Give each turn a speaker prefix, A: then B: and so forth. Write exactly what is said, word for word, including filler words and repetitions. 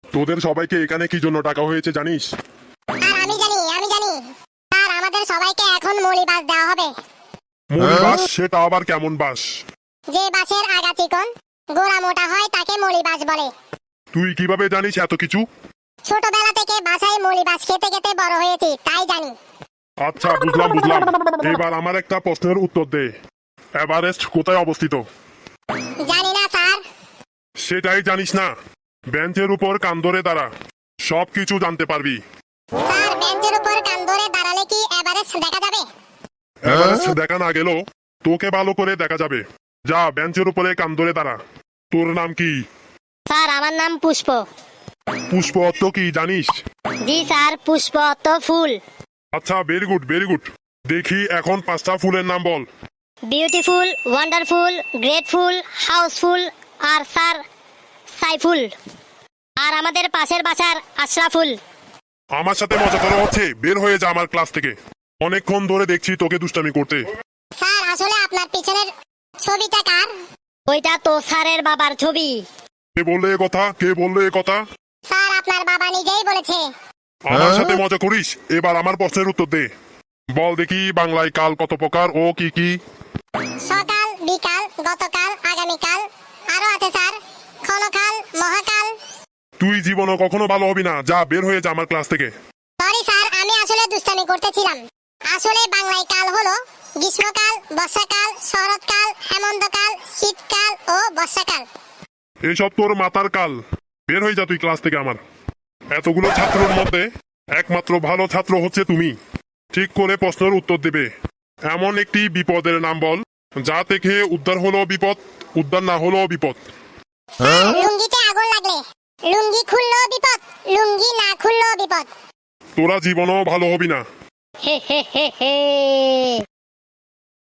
A: তোদের সবাইকে এখানে কি জন্য ডাকা হয়েছে জানিস?
B: আর আমি জানি আমি জানি স্যার, আমাদের সবাইকে এখন মৌলি বাস দেওয়া হবে।
A: মৌলি বাস? সেটা আবার কেমন বাস?
B: যে বাসের আগা চিকন গোড়া মোটা হয় তাকে মৌলি বাস বলে।
A: তুই কিভাবে জানিস এত কিছু?
B: ছোটবেলা থেকে বাসায় মৌলি বাস খেতে খেতে বড় হয়েছি, তাই জানি।
A: আচ্ছা, বুঝলাম বুঝলাম এবার আমার একটা প্রশ্নের উত্তর দে। এভারেস্ট কোথায় অবস্থিত?
B: জানি না স্যার।
A: সেটাই জানিস না? বেঞ্চের উপর কান ধরে দাঁড়া, সব কিছু জানতে পারবি।
B: স্যার, বেঞ্চের উপর কান ধরে দাঁড়ালে কি এভারেস্ট দেখা যাবে?
A: এভারেস্ট দেখা না গেলেও তোকে ভালো করে দেখা যাবে। যা বেঞ্চের উপরে কান ধরে দাঁড়া। তোর নাম কি?
C: স্যার, আমার নাম পুষ্প।
A: পুষ্প অর্থ কি জানিস?
C: জি স্যার, পুষ্প অর্থ ফুল।
A: আচ্ছা, ভেরি গুড ভেরি গুড। দেখি এখন পাঁচটা ফুলের নাম বল।
C: বিউটিফুল, ওয়ান্ডারফুল, গ্রেটফুল, হাউসফুল আর স্যার সাইফুল। আর আমাদের পাশের বাসার আশরাফুল।
A: আমার সাথে মজা করা হচ্ছে? বের হয়ে যা আমার ক্লাস থেকে। অনেকক্ষণ ধরে দেখছি তোকে দুষ্টামি করতে।
B: স্যার, আসলে আপনার পিছনের ছবিটা কার?
C: ওইটা তো স্যারের বাবার ছবি।
A: কে বললে এ কথা? কে বললে এ কথা?
B: স্যার, আপনার বাবা নিজেই বলেছে।
A: আমার সাথে মজা করিস? এবার আমার প্রশ্নের উত্তর দে। বল দেখি, বাংলায় কাল কত প্রকার ও কি কি?
B: সকাল, বিকাল, গতকাল, আগামীকাল, আরো আছে স্যার ক্ষণকাল, মহাকাল।
A: তুই জীবনও কখনো ভালো হবি না। যা বের হয়ে যা আমার ক্লাস থেকে।
B: সরি স্যার, আমি আসলে দুষ্টামি করতেছিলাম। আসলে বাংলায় কাল হলো গ্রীষ্মকাল, বর্ষাকাল, শরৎকাল, হেমন্তকাল, শীতকাল ও বর্ষাকাল।
A: এসব তোর মাথার কাল। বের হয়ে যা তুই ক্লাস থেকে আমার। এতগুলো ছাত্রের মধ্যে একমাত্র ভালো ছাত্র হচ্ছে তুমি। ঠিক করে প্রশ্নের উত্তর দেবে। এমন একটি বিপদের নাম বল যা থেকে উদ্ধার হলো বিপদ, উদ্ধার না হলো বিপদ।
B: স্যার, লুঙ্গিতে আগুন লাগলে লুঙ্গি খুললেও বিপদ, লুঙ্গি না খুললেও বিপদ।
A: তোরা জীবনও ভালো হবি না।
C: হে হে হে হে